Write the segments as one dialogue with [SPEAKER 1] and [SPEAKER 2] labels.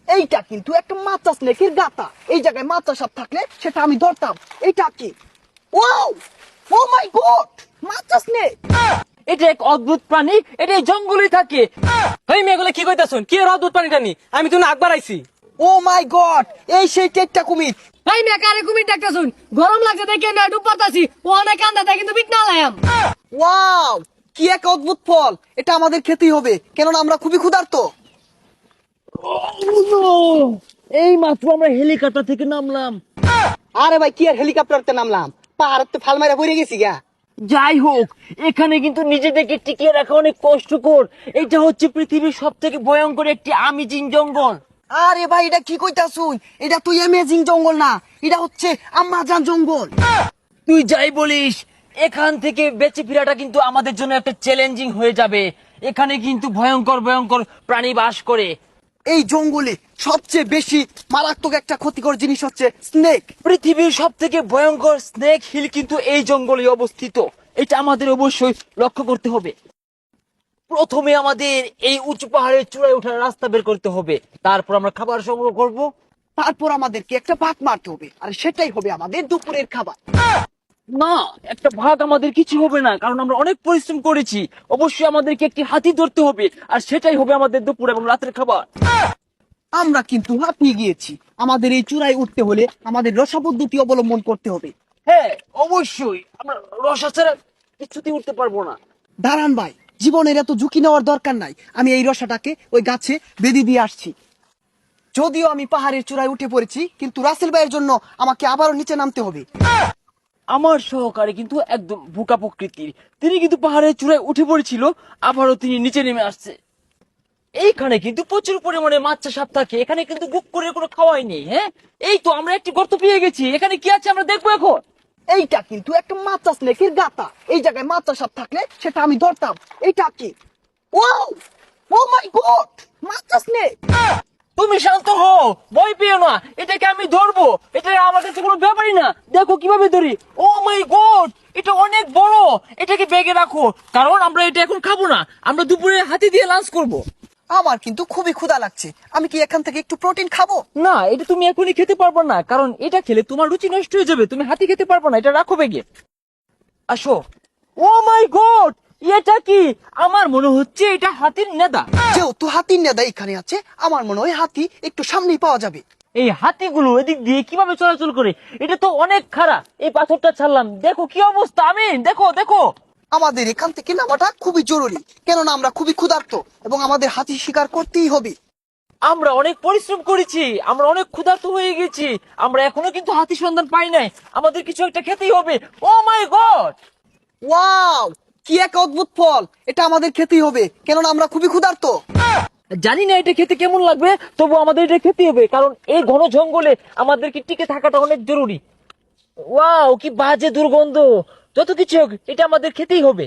[SPEAKER 1] এইটা কিন্তু একটা মাচা স্নেকের গাতা। এই জায়গায় মাচা সাপ থাকলে সেটা আমি ধরতাম। এইটা কি? ওয়াও, ও মাই গড, মাচা স্নেক।
[SPEAKER 2] এটা এক অদ্ভুত প্রাণী, এটা এই জঙ্গলে থাকে। এই মেয়েগুলো কি কইতাছুন? কি এর অদ্ভুত প্রাণীটা নি? আমি তো না আকবার আইছি।
[SPEAKER 1] ও মাই গড, এই সেই টেকটা কুমির।
[SPEAKER 3] ভাই মেয়ে কারে কুমির ডাকতেছুন? গরম লাগছে দেখে না ডুব পাতাছি। ও অনেক কান্দা তাই কিন্তু বিট না লায়াম।
[SPEAKER 1] ওয়াও, কি এক অদ্ভুত ফল। এটা আমাদের খেতেই হবে, কেননা আমরা খুবই ক্ষুধার্ত।
[SPEAKER 2] এই মাত্র আমরা হেলিকপ্টার থেকে নামলাম।
[SPEAKER 1] আরে ভাই, কি আর হেলিকপ্টারতে নামলাম, পাহাড়তে ফাল মারা পড়ে গেছি গা।
[SPEAKER 2] যাই হোক, এখানে কিন্তু নিজেদেরকে টিকিয়ে রাখা অনেক কষ্টকর। এটা হচ্ছে পৃথিবীর সব থেকে ভয়ঙ্কর একটি আমিজিং জঙ্গল।
[SPEAKER 1] আরে ভাই, এটা কি কইতাছুন? এটা তুই অ্যামেজিং জঙ্গল না, এটা হচ্ছে আমাজন জঙ্গল।
[SPEAKER 2] তুই যাই বলিস, এখান থেকে বেঁচে ফেরাটা কিন্তু আমাদের জন্য একটা চ্যালেঞ্জিং হয়ে যাবে। এখানে কিন্তু ভয়ঙ্কর ভয়ঙ্কর প্রাণী বাস করে।
[SPEAKER 1] এই জঙ্গলে সবচেয়ে বেশি মারাত্মক একটা ক্ষতিকর জিনিস হচ্ছে স্নেক।
[SPEAKER 2] পৃথিবীর সব থেকে ভয়ঙ্কর স্নেক হিল কিন্তু এই জঙ্গলে অবস্থিত। এটা আমাদের অবশ্যই লক্ষ্য করতে হবে। প্রথমে আমাদের এই উঁচু পাহাড়ের চূড়ায় ওঠার রাস্তা বের করতে হবে, তারপর আমরা খাবার সংগ্রহ করব।
[SPEAKER 1] তারপর আমাদেরকে একটা ভাগ মারতে হবে, আর সেটাই হবে আমাদের দুপুরের খাবার।
[SPEAKER 2] না, একটা ভাগ আমাদের কিছু হবে না, কারণ আমরা অনেক পরিশ্রম করেছি। অবশ্যই আমাদেরকে একটি হাতি ধরতে হবে, আর সেটাই হবে আমাদের দুপুর এবং রাতের খাবার।
[SPEAKER 1] আমরা কিন্তু হাঁপিয়ে গিয়েছি। আমাদের এই চূড়ায় উঠতে হলে আমাদের রসা পদ্ধতি অবলম্বন করতে হবে।
[SPEAKER 2] হ্যাঁ, অবশ্যই আমরা রসা ছাড়া কিছুতেই উঠতে পারবো না।
[SPEAKER 1] দাঁড়ান ভাই, জীবনের এত ঝুঁকি নেওয়ার দরকার নাই। আমি এই রসাটাকে ওই গাছে বেঁধে দিয়ে আসছি। যদিও আমি পাহাড়ের চূড়ায় উঠে পড়েছি, কিন্তু রাসেল ভাইয়ের জন্য আমাকে আবারও নিচে নামতে হবে।
[SPEAKER 2] আমার সহকারী কিন্তু একদম বোকা প্রকৃতির। তিনি কিন্তু পাহাড়ের চূড়ায় উঠে পড়েছিল, আবারও তিনি নিচে নেমে আসছে। এইখানে কিন্তু প্রচুর পরিমাণে মাছ সাপ থাকে। এখানে কিন্তু বুক করে কোনো খাওয়াই নেই। হ্যাঁ, এই তো আমরা একটি গর্ত পেয়ে গেছি। এখানে কি আছে আমরা দেখবো এখন।
[SPEAKER 1] এইটা কিন্তু একটা মাচা স্নেকের গাতা। এই জায়গায় মাচা সাপ থাকলে সেটা আমি ধরতাম। এইটা কি? ওয়াও, ও মাই গড, মাচা স্নেক।
[SPEAKER 2] তুমি শান্ত হও, ভয় পেও না, এটাকে আমি ধরবো। এটা আমার কাছে কোনো ব্যাপারই না। দেখো কিভাবে ধরি। ও মাই গড, এটা অনেক বড়। এটাকে ব্যাগে রাখো, কারণ আমরা এটা এখন খাবো না। আমরা দুপুরে হাতি দিয়ে লাঞ্চ করব।
[SPEAKER 1] আমার কিন্তু খুবই ক্ষুধা লাগছে। আমি কি এখান থেকে একটু প্রোটিন খাবো?
[SPEAKER 2] না, এটা তুমি এখনই খেতে পারবে না, কারণ এটা খেলে তোমার রুচি নষ্ট হয়ে যাবে। তুমি হাতি খেতে পারবে না, এটা রাখো ব্যাগে। আসো। ও মাই গড, এটা কি? আমার মনে হচ্ছে এটা হাতির নেদা।
[SPEAKER 1] যেহেতু হাতির নেদা এখানে আছে, আমার মনে হয় হাতি একটু সামনেই পাওয়া যাবে।
[SPEAKER 2] এই হাতিগুলো এদিক দিয়ে কিভাবে চলাচল করে? এটা তো অনেক খারাপ। এই পাথরটা ছাড়লাম, দেখো কি অবস্থা। আমি দেখো দেখো।
[SPEAKER 1] আমাদের এখান থেকে নামাটা খুবই জরুরি, কেননা আমরা খুবই ক্ষুধার্ত এবং আমাদের হাতি শিকার করতেই হবে।
[SPEAKER 2] আমরা অনেক পরিশ্রম করেছি, আমরা অনেক ক্ষুধার্ত হয়ে গেছি। আমরা এখনো কিন্তু হাতি সন্ধান পাই নাই। আমাদের কিছু একটা খেতেই হবে। ও মাই গড,
[SPEAKER 1] ওয়াও, কি এক অদ্ভুত ফল। এটা আমাদের খেতেই হবে, কেননা আমরা খুবই ক্ষুধার্ত।
[SPEAKER 2] জানি না এটা খেতে কেমন লাগবে, তবু আমাদের এটা খেতে হবে, কারণ এই ঘন জঙ্গলে আমাদেরকে টিকে থাকাটা অনেক জরুরি। ওয়াও, কি বাজে দুর্গন্ধ। যত কিছু হোক, এটা আমাদের খেতেই হবে।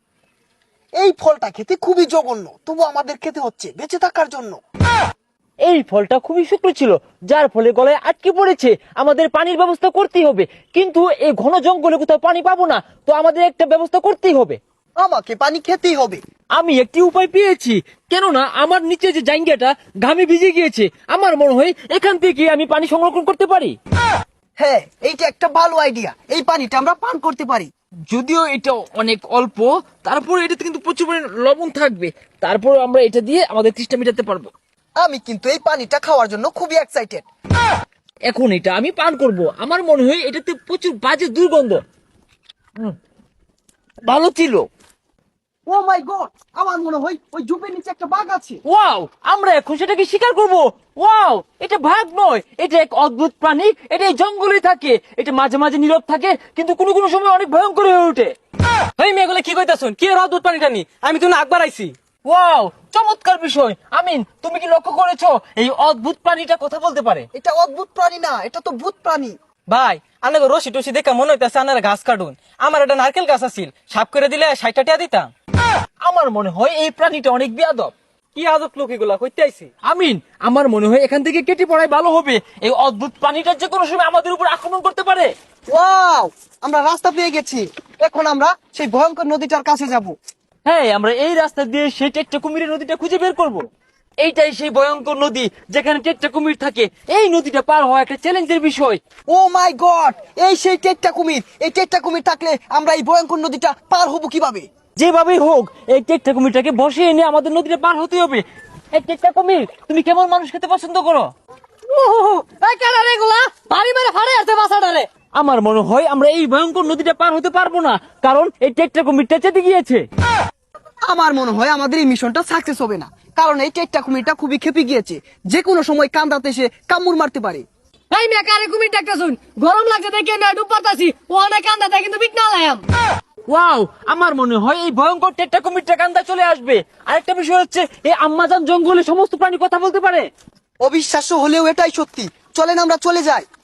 [SPEAKER 1] এই ফলটা খেতে খুবই জঘন্য, তবু আমাদের খেতে হচ্ছে বেঁচে থাকার জন্য।
[SPEAKER 2] এই ফলটা খুবই শুকনো ছিল, যার ফলে গলায় আটকে পড়েছে। আমাদের পানির ব্যবস্থা করতেই হবে, কিন্তু এই ঘন জঙ্গলে কোথাও পানি পাবো না, তো আমাদের একটা ব্যবস্থা করতেই হবে।
[SPEAKER 1] আমাকে পানি খেতেই হবে।
[SPEAKER 2] আমি একটি উপায় পেয়েছি, কেননা আমার নিচে যে জায়গাটা ঘামে ভিজে গিয়েছে। আমার মনে হয় এখান থেকে আমি পানি সংরক্ষণ করতে পারি।
[SPEAKER 1] হ্যাঁ, এইটা একটা ভালো আইডিয়া। এই পানিটা আমরা পান করতে পারি।
[SPEAKER 2] যদিও এটা অনেক অল্প, তারপর এটাতে কিন্তু প্রচুর পরিমাণে লবণ থাকবে। তারপর আমরা এটা দিয়ে আমাদের তৃষ্ণা মেটাতে পারবো।
[SPEAKER 1] আমি কিন্তু এই পানিটা খাওয়ার জন্য খুবই এক্সাইটেড।
[SPEAKER 2] এখন এটা আমি পান করব। আমার মনে হয় এটাতে প্রচুর বাজে দুর্গন্ধ। ভালো ছিল।
[SPEAKER 1] ও মাই গড, আমার মনে হয় ওই ঝোপের নিচে একটা বাঘ আছে।
[SPEAKER 2] ওয়াও, আমরা এখন সেটাকে শিকার করব। ওয়াও, এটা ভাগ নয়, এটা এক অদ্ভুত প্রাণী। এটা এই জঙ্গলে থাকে। এটা মাঝে মাঝে নীরব থাকে, কিন্তু কোনো কোনো সময় অনেক ভয়ঙ্কর হয়ে ওঠে।
[SPEAKER 4] এই মেয়েগুলো কি কইতাছুন? কি এর অদ্ভুত প্রাণীটা নি? আমি তো না আকবার আইছি।
[SPEAKER 2] ওয়াও, চমৎকার বিষয়। আমিন, তুমি কি লক্ষ্য করেছো এই অদ্ভুত প্রাণীটা কথা বলতে পারে?
[SPEAKER 1] এটা অদ্ভুত প্রাণী না, এটা তো ভূত প্রাণী।
[SPEAKER 4] ভাই, আনাকে রশি টসি দেখে মনে হইতাছে আনারা ঘাস কাটুন। আমার একটা নারকেল গাছ আছিল, সাপ করে দিলে 60 টাকা দিতাম।
[SPEAKER 2] আমার মনে হয় এই প্রাণীটা অনেক বেয়াদব।
[SPEAKER 4] কি আজব লোক এগুলা কইতে আইছি।
[SPEAKER 2] আমিন, আমার মনে হয় এখান থেকে কেটে পড়াই ভালো হবে। এই অদ্ভুত প্রাণীটা যে কোনো সময় আমাদের উপর আক্রমণ করতে পারে।
[SPEAKER 1] ওয়াও, আমরা রাস্তা পেয়ে গেছি। এখন আমরা সেই ভয়ঙ্কর নদীটার কাছে যাব।
[SPEAKER 2] হ্যাঁ, আমরা এই রাস্তা দিয়ে সেই টেকটা কুমিরের নদীটা খুঁজে বের করব। এইটাই সেই ভয়ঙ্কর নদী যেখানে টেট্টা কুমির থাকে। এই নদীটা পার হওয়া একটা চ্যালেঞ্জের বিষয়।
[SPEAKER 1] ও মাই গড, এই সেই টেট্টা কুমির। এই টেট্টা কুমির থাকলে আমরা এই ভয়ঙ্কর নদীটা পার হব কিভাবে?
[SPEAKER 2] যেভাবেই হোক এই টেট্টা কুমিরটাকে বসে এনে আমাদের নদীটা পার হতে হবে। এই টেট্টা কুমির, তুমি কেমন মানুষ খেতে পছন্দ করো?
[SPEAKER 3] এই কেন রে এগুলা ভারী মেরে ফাড়ে আছে বাসাটারে।
[SPEAKER 2] আমার মনে হয় আমরা এই ভয়ঙ্কর নদীটা পার হতে পারবো না, কারণ এই টেট্টা কুমিরটা চেতে গিয়েছে।
[SPEAKER 1] আমার মনে হয় আমাদের এই মিশনটা সাকসেস হবে না, কারণ এই টেট্টা কুমিরটা খুবই খেপে গিয়েছে। যে কোনো সময় কান্দাতে এসে কামড় মারতে পারে।
[SPEAKER 3] এই মেয়ে কারে কুমির ডাকতে শুন, গরম লাগছে দেখে না ডুব পাতাছি, ও অনেক কান্দাতে কিন্তু বিট না লায়াম।
[SPEAKER 2] ওয়াও, আমার মনে হয় এই ভয়ঙ্কর টেট্টা কুমিরটা কান্দা চলে আসবে। আরেকটা বিষয় হচ্ছে এই আম্মাজান জঙ্গলে সমস্ত প্রাণী কথা বলতে পারে।
[SPEAKER 1] অবিশ্বাস্য হলেও এটাই সত্যি। চলেন আমরা চলে যাই।